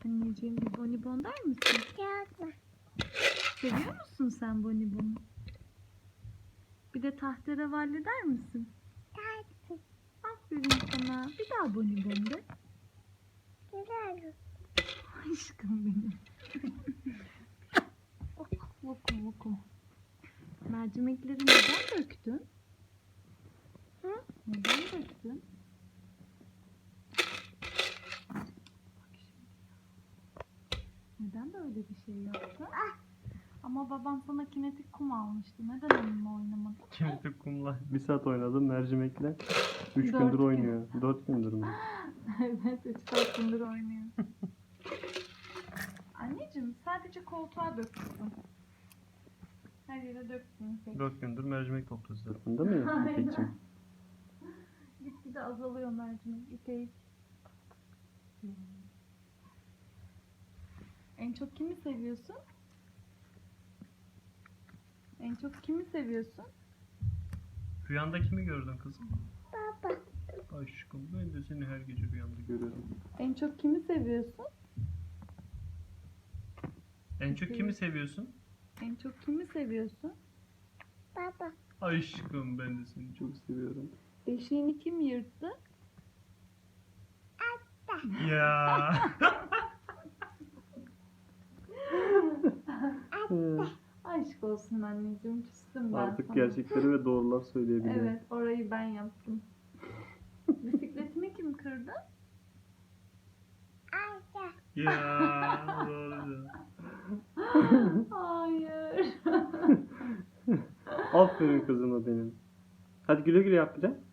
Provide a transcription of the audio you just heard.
Anneciğim bir bonibon der misin? Yapma. Seviyor musun sen bonibonu? Bir de tahterevalli der misin? Tatlı. Aferin sana. Bir daha bonibon de. Güzel. Aşkım benim. Vuku vuku. Mercimekleri neden döktün? Hı? Neden döktün? Bak şimdi. Neden böyle bir şey yaptın? Ama baban sana kinetik kum almıştı. Neden onunla oynamadın? Kinetik kumla 1 saat oynadım mercimekle. 3 Dört gündür gün. oynuyor. 4 gündür mü? Evet, 3-4 gündür oynuyor. Anneciğim sadece koltuğa döktün. Her yere döktün. Peki. 4 gündür mercimek topluyoruz. Farkında mıyım İpek'ciğim? Gitgide azalıyor mercimek. İpek. En çok kimi seviyorsun? En çok kimi seviyorsun? Rüyanda kimi gördün kızım? Baba. Aşkım ben de seni her gece rüyamda görüyorum. En çok kimi seviyorsun? En çok kimi seviyorsun? En çok kimi seviyorsun? Baba. Aşkım ben de seni çok seviyorum. Beşiğini kim yırttı? Ya. Aşk olsun anneciğim, küstüm ben Artık sana. gerçekleri ve doğrular söyleyebiliyorum. Evet, orayı ben yaptım. Bisikletimi kim kırdı? Ayşe. Ya doğru. Hayır. Aferin kızıma benim. Hadi güle güle yap bir de.